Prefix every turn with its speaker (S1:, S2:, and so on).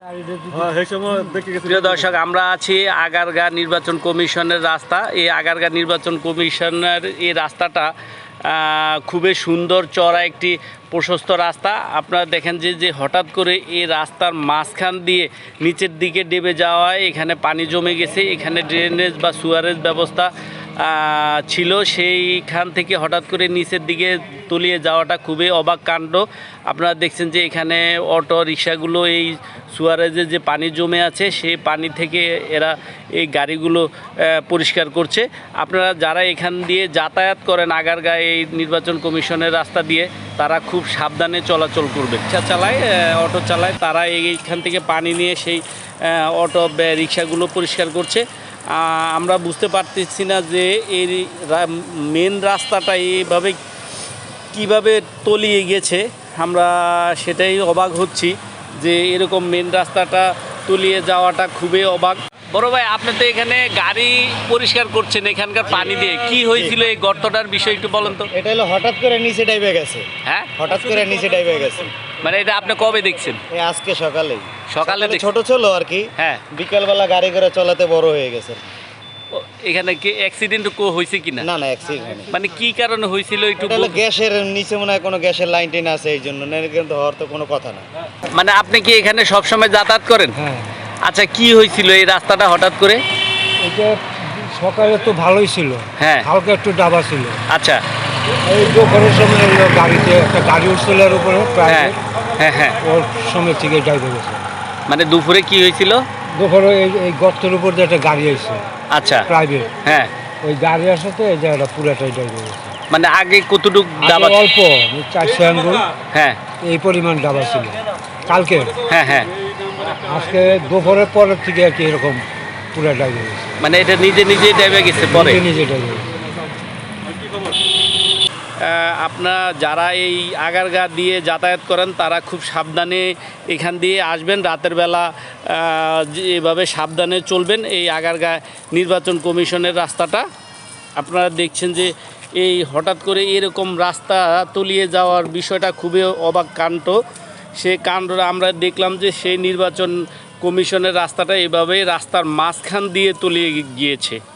S1: প্রিয় দর্শক, আমরা আছি আগারগাঁ নির্বাচন কমিশনের রাস্তা। এই আগারগাঁ নির্বাচন কমিশনের এই রাস্তাটা খুবই সুন্দর, চড়া একটি প্রশস্ত রাস্তা। আপনারা দেখেন যে হঠাৎ করে এই রাস্তার মাঝখান দিয়ে নিচের দিকে ডেবে যাওয়ায় এখানে পানি জমে গেছে। এখানে ড্রেনেজ বা সুয়ারেজ ব্যবস্থা ছিল, সেইখান থেকে হঠাৎ করে নিচের দিকে তলিয়ে যাওয়াটা খুবই অবাক কাণ্ড। আপনারা দেখছেন যে এখানে অটো রিক্সাগুলো এই সুয়ারেজে যে পানি জমে আছে সেই পানি থেকে এরা এই গাড়িগুলো পরিষ্কার করছে। আপনারা যারা এখান দিয়ে যাতায়াত করেন আগারগাঁ এই নির্বাচন কমিশনের রাস্তা দিয়ে, তারা খুব সাবধানে চলাচল করবে। রিক্সা চালায়, অটো চালায়, তারা এইখান থেকে পানি নিয়ে সেই অটো রিক্সাগুলো পরিষ্কার করছে। আমরা বুঝতে পারতেছি না যে এই মেন রাস্তাটা এইভাবে কিভাবে তলিয়ে গেছে। আমরা সেটাই অবাক হচ্ছি যে এরকম মেন রাস্তাটা তলিয়ে যাওয়াটা খুবই অবাক। বড় ভাই, আপনি তো এখানে গাড়ি পরিষ্কার করছেন এখানকার পানি দিয়ে, কি হয়েছিল এই গর্তটার বিষয় একটু বলেন তো।
S2: এটা হলো হঠাৎ করে নিচে ডাইবে গেছে।
S1: হ্যাঁ,
S2: হঠাৎ করে নিচে ডাইবে গেছে।
S1: মানে এটা আপনি কবে দেখছেন?
S2: এই আজকে সকালে
S1: ছোট
S2: ছিল আর কি।
S1: হ্যাঁ,
S2: বিকেলবেলা গাড়ি করে চলাতে বড় হয়ে গেছে।
S1: এখানে কি অ্যাক্সিডেন্ট হয়েছে কিনা?
S2: না, অ্যাক্সিডেন্ট
S1: মানে কি কারণে হয়েছিল একটু?
S2: গ্যাসের নিচে মনে হয় কোনো গ্যাসের লাইন টেন আছে, এই জন্য। কিন্তু হওয়ার তো কোনো কথা না।
S1: মানে আপনি কি এখানে সবসময় যাতায়াত করেন?
S3: হ্যাঁ।
S1: আচ্ছা, কি হয়েছিল এই রাস্তাটা হঠাৎ করে?
S3: এটা সকালে তো ভালোই ছিল,
S1: হ্যাঁ,
S3: হালকা একটু ডাবা ছিল।
S1: আচ্ছা,
S3: এই দুপুরের সময় এলো গাড়িতে একটা গাড়ি উঠছিল এর উপরে,
S1: হ্যাঁ হ্যাঁ হ্যাঁ,
S3: ওর সময় থেকে ডাইবে গেছে।
S1: মানে দুপুরে কি হয়েছিল?
S3: দুপুরে এই গর্তের উপর দিয়ে একটা গাড়ি আসছে,
S1: আচ্ছা,
S3: প্রাইভেট।
S1: হ্যাঁ,
S3: ওই গাড়ি আসাতে এই জায়গাটা পুরাটাই ডাইবে গেছে।
S1: মানে আগে কতটুক ডাবা?
S3: অল্প 400 আঙ্গুল,
S1: হ্যাঁ,
S3: এই পরিমাণ ডাবা ছিল কালকে।
S1: হ্যাঁ হ্যাঁ,
S3: আজকে দুপুরের পরের থেকে আর কি এরকম পুরা ডাইবে গেছে।
S1: মানে এটা নিজে নিজেই ডেবে গেছে পরে?
S3: নিজে ডাইবে গেছে।
S1: আপনারা যারা এই আগারগাঁ দিয়ে যাতায়াত করেন তারা খুব সাবধানে এখান দিয়ে আসবেন। রাতের বেলা এভাবে সাবধানে চলবেন। এই আগারগাঁ নির্বাচন কমিশনের রাস্তাটা আপনারা দেখছেন যে এই হঠাৎ করে এরকম রাস্তা তলিয়ে যাওয়ার বিষয়টা খুবই অবাক কাণ্ড। সেই কাণ্ডটা আমরা দেখলাম যে সেই নির্বাচন কমিশনের রাস্তাটা এভাবে রাস্তার মাঝখান দিয়ে তলিয়ে গিয়েছে।